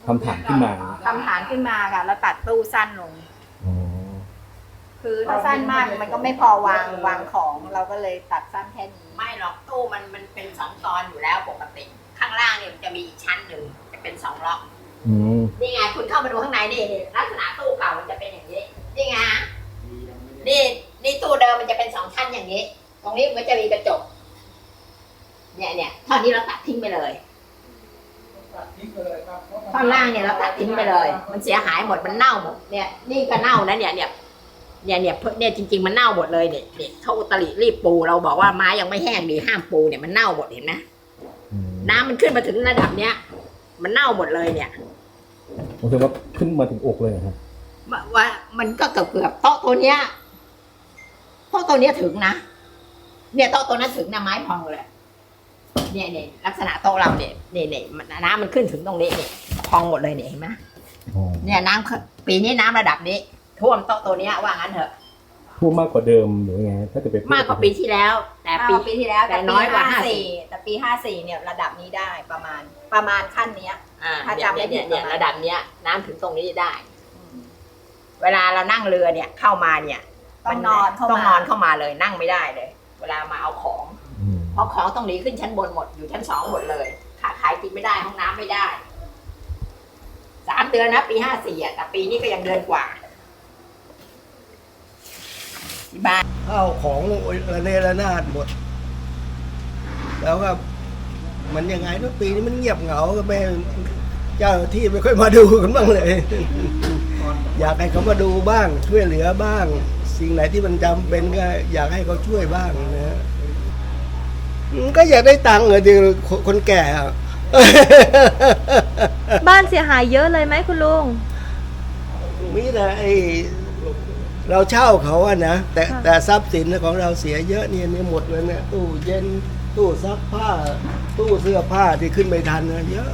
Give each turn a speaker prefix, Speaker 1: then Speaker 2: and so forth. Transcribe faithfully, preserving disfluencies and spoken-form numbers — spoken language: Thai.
Speaker 1: ทำฐานขึ้นมา
Speaker 2: ทำฐานขึ้นมาค่ะแล้วตัดตู้สั้นลง
Speaker 1: อ๋อ
Speaker 2: คือถ้าสั้นมากมันก็ไม่พอวางวางของเราก็เลยตัดสั้นแค่นี้
Speaker 3: ไม่หรอกตู้มันมันเป็นสองตอนอยู่แล้วปกติ ข้างล่างเนี่ยมันจะมีอีกชั้นหนึ่งจะเป็นสองล็อก
Speaker 1: อืม
Speaker 3: นี่ไงคุณเข้ามาดูข้างในนี่นี่ลักษณะตู้เก่ามันจะเป็นอย่างนี้นี่ไงนี่นี่ตู้เดิมมันจะเป็นสองชั้นอย่างนี้ ตรงนี้มันจะมีกระจกเนี่ยเนี่ยท่อนนี้เราตัดทิ้งไปเลยท่อนล่างเนี่ยเราตัดทิ้งไปเลย มันเสียหายหมดมันเน่าหมดเนี่ยนี่ก็เน่านะเนี่ยเนี่ยเนี่ยเนี่ยเนี่ยจริงๆมันเน่าหมดเลยเนี่ยเนี่ยเขาอุตริรีบปูเราบอกว่าไม้ยังไม่แห้งดีห้ามปูเนี่ยมันเน่าหมดเห็นไหม
Speaker 1: อืม
Speaker 3: น้ำมันขึ้นมาถึงระดับเนี้ยมันเน่าหมดเลยเนี่ย
Speaker 1: ผมคิดว่าขึ้นมาถึงอกเลยเหรอครับ
Speaker 3: ว่าว่ามันก็เกือบเกือบโต๊ะตัวเนี้ยโต๊ะตัวเนี้ยถึงนะเนี่ยโต๊ะตัวนั้นถึงนะไม้พองเลยเนี่ยเนี่ยลักษณะโต๊ะเราเนี่ยเนี่ยเนี่ยมันน้ำมันขึ้นถึงตรงนี้เนี่ยพองหมดเลยเนี่ยเห็นไหม
Speaker 1: อ๋อ
Speaker 3: เนี่ยน้ำปีนี้น้ำระดับนี้ท่วมโต๊ะตัวเนี้ยว่างั้นเถอะ
Speaker 1: ท่วมมากกว่าเดิมหรือไงถ้าจะไป
Speaker 3: มากกว่าปีที่แล้ว แต่
Speaker 2: ปี
Speaker 3: ปี
Speaker 2: ปีที่แล้ว
Speaker 3: แต่น้อยกว่าห้าสิบ
Speaker 2: แต่ปีห้าสี่เนี่ยระดับนี้ได้ประมาณประมาณขั้นเนี้ย
Speaker 3: อ่า
Speaker 2: ถ้าจำไม่ผิ
Speaker 3: เนี่ย
Speaker 2: ด
Speaker 3: เนี่ย
Speaker 2: ประมาณ
Speaker 3: ระดับเนี้ย น้ำถึงตรงนี้ได้ เวลาเรานั่งเรือเนี่ยเข้ามาเนี่ย
Speaker 2: ต้องนอนเข้ามา
Speaker 3: ต้องนอนเข้ามาเลยนั่งไม่ได้เลย เวลามาเอาของ
Speaker 1: อืม
Speaker 3: เพราะของต้องหนีขึ้นชั้นบนหมดอยู่ชั้นสองหมดเลยขาขายกินไม่ได้ห้องน้ำไม่ได้สามเดือนนะปีห้าสี่อ่ะแต่ปีนี้ก็ยังเดือนกว่าที่บ้าน
Speaker 4: ข้าวของระเนระนาดหมด แล้วก็มันยังไงทุกปีนี้มันเงียบเหงาก็ไม่เจ้าหน้าที่ไม่ค่อยมาดูกันบ้างเลย อยากให้เขามาดูบ้าง ช่วยเหลือบ้าง สิ่งไหนที่มันจำเป็นก็อยากให้เขาช่วยบ้างนะฮะอืมก็อยากได้ตังค์เหรอดีคนแก่อะ
Speaker 5: บ้านเสียหายเยอะเลยไหมคุณลุง
Speaker 4: มีแต่ไอเราเช่าเขาอะนะแต่
Speaker 5: ค่ะ
Speaker 4: แต่ทรัพย์สินของเราเสียเยอะเนี่ยเนี่ยหมดเลยเนี่ยตู้เย็นตู้ซักผ้า ตู้เสื้อผ้าที่ขึ้นไม่ทันนะเยอะ